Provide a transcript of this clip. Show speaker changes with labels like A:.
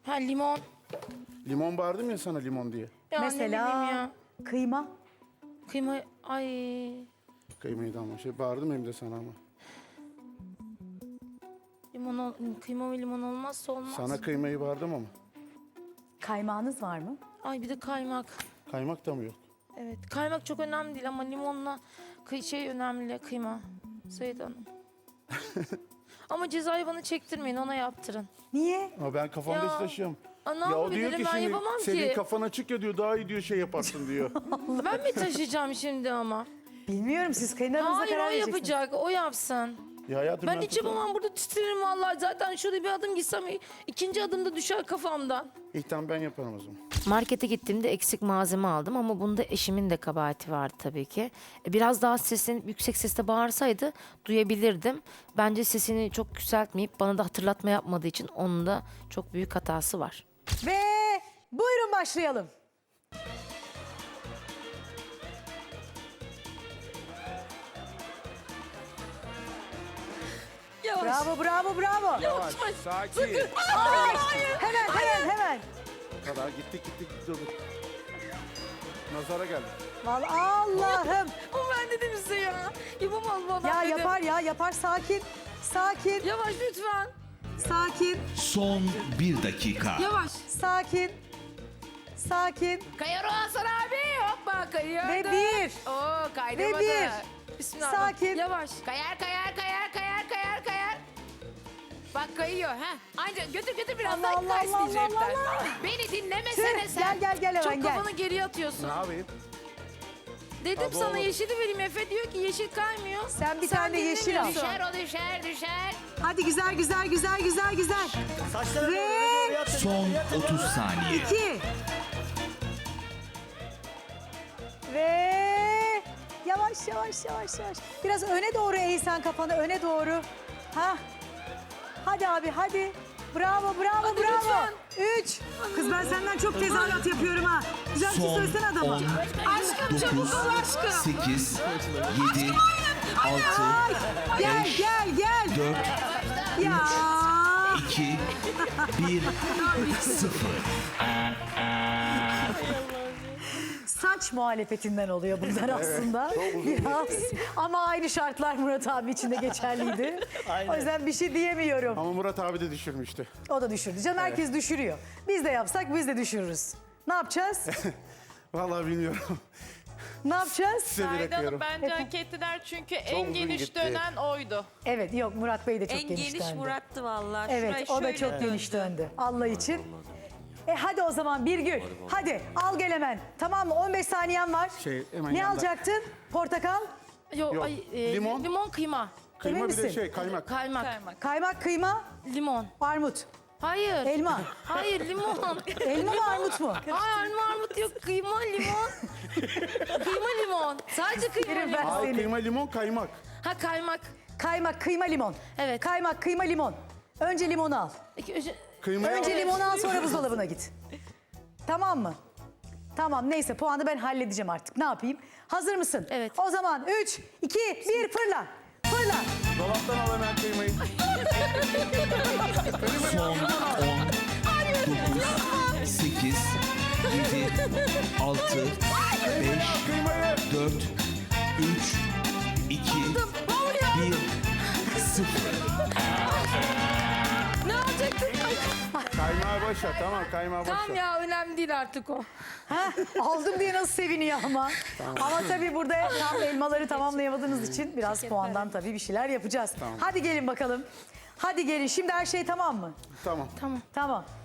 A: Ha limon.
B: Limon bağırdım ya sana limon diye.
A: Ya ne bileyim
C: Mesela
A: ya.
C: kıyma.
A: Kıyma ay.
B: Kıymayı da ama bağırdım hem de sana ama.
A: Kıyma ve limon olmazsa olmaz.
B: Sana kıymayı bağırdım ama.
C: Kaymağınız var mı?
A: Ay bir de kaymak.
B: Kaymak da mı yok?
A: Evet kaymak çok önemli değil ama limonla önemli kıyma. Seyit Hanım. Ama cezayı bana çektirmeyin ona yaptırın.
C: Niye?
B: Ama ben kafamda
A: Ya,
B: hiç taşıyorum.
A: Ne
B: Ya o diyor
A: yapabilirim
B: ki
A: ben
B: şimdi
A: yapamam
B: senin
A: ki.
B: kafan açık ya diyor daha iyi diyor şey yaparsın diyor.
A: Ben mi taşıyacağım şimdi ama?
C: Bilmiyorum siz kayınlarınıza
A: Hayır
C: karar
A: o
C: vereceksiniz.
A: yapacak o yapsın.
B: Ya hayatım
A: Ben hiç yapamam burada titrerim vallahi. Zaten şurada bir adım gitsem ikinci adımda düşer kafamdan.
B: İyi tamam ben yaparım o zaman.
A: Markete gittiğimde eksik malzeme aldım ama bunda eşimin de kabahati vardı tabii ki. Biraz daha seslenip yüksek sesle bağırsaydı duyabilirdim. Bence sesini çok yükseltmeyip bana da hatırlatma yapmadığı için onun da çok büyük hatası var.
C: Ve buyurun başlayalım.
A: Yavaş.
C: Bravo, bravo, bravo.
B: Yavaş, sakin.
C: Hemen.
B: Bu kadar gittik dur. Nazara geldi.
C: Vallahi Allah'ım.
A: O ben dedim size ya. Yapamaz bu adam
C: Ya
A: dedim.
C: yapar. Sakin. Sakin.
A: Yavaş lütfen.
C: Sakin.
D: Son 1 dakika.
A: Yavaş.
C: Sakin.
A: Kayar o Hasan abi. Hoppa kayıyordu.
C: Ve bir.
A: Oo kaydamadı.
C: Ve bir.
A: Bismillahirrahmanirrahim.
C: Sakin.
A: Yavaş.
E: Kayar. Bak kayıyor ha. Anca götür biraz
C: Allah,
E: daha
C: Allah,
E: kaysın
C: Allah,
E: cepten.
C: Allah.
E: Beni dinlemesene
C: Tüh,
E: sen.
C: gel hemen
A: Çok
C: gel.
A: kafanı geriye atıyorsun.
B: Ne yapayım?
A: Dedim
B: Abo.
A: sana yeşili vereyim. Efe diyor ki yeşil kaymıyor.
C: Sen bir tane de yeşil al.
A: dinlemiyorsun.
E: Düşer.
C: Hadi güzel. Ve
D: Son 30 saniye.
C: 2. Ve yavaş. Biraz öne doğru eğ sen kafanı öne doğru. Ha. Hadi abi hadi. Bravo.
A: lütfen.
C: 3. Kız ben senden çok tezahürat yapıyorum ha. Güzel bir şey
D: Son
C: söylesene adama.
D: 10,
A: Aşkım çabuk
D: 9,
A: ol aşkım.
D: 8, 7, 6,
C: Ay, gel
D: 4,
C: Ya.
D: 2, 1, 0.
C: Saç muhalefetinden oluyor bunlar aslında. Biraz. Ama aynı şartlar Murat abi için de geçerliydi. O yüzden bir şey diyemiyorum.
B: Ama Murat abi de düşürmüştü.
C: O da düşürdü. Canım herkes düşürüyor. Biz de yapsak biz de düşürürüz. Ne yapacağız?
B: Vallahi bilmiyorum.
C: Ne yapacağız?
B: Size
F: Aydan
B: bırakıyorum.
F: Hanım bence hak ettiler çünkü en
B: uzun
F: geniş
B: gitti.
F: dönen oydu.
C: Evet yok Murat Bey de çok
G: En
C: geniş
G: geniş
C: döndü.
G: Murat'tı vallahi.
C: Evet
G: Şurayı
C: o da
G: şöyle
C: çok geniş döndü. Allah için. Hadi o zaman Birgül. Hadi al gel hemen. Tamam mı? 15 saniyen var.
B: Hemen
C: Ne
B: yanda.
C: alacaktın? Portakal,
B: Yok, limon.
A: Limon kıyma.
B: Kıyma
C: Emin
B: bir de
C: misin?
B: kaymak.
A: Kaymak.
F: Kaymak.
C: kaymak, kıyma,
A: Limon.
C: armut.
A: Hayır.
C: Elma.
A: Hayır limon.
C: Elma mı armut mu?
A: Hayır armut yok. Kıyma limon. Kıyma limon. Sadece kıyma
C: Yerim ben
A: limon.
B: Ay
C: seni.
B: kıyma limon kaymak.
A: Ha kaymak.
C: Kaymak, kıyma, limon.
A: Evet.
C: Kaymak, kıyma, limon. Önce limonu al.
B: Kıymayı
C: Önce limonu al sonra buzdolabına git. Tamam mı? Tamam neyse puanı ben halledeceğim artık. Ne yapayım? Hazır mısın?
A: Evet.
C: O zaman 3, 2, 1 fırla. Fırla.
B: Dolaptan al hemen kıymayı.
D: Son 10, 9, 8, 7, 6, 5,
B: Kıymayı.
D: 4, 3, 2, 1, 0.
A: Ne yapacaktın?
B: Kaymağı boş ver tamam kaymağı boş
A: Tamam
B: ver.
A: ya önemli değil artık o.
C: Ha, aldım diye nasıl seviniyor ama. Ama tabii burada tam elmaları tamamlayamadığınız için biraz puandan tabii bir şeyler yapacağız. Hadi gelin bakalım. Hadi gelin. Şimdi her şey tamam mı?
B: Tamam.
C: Tamam.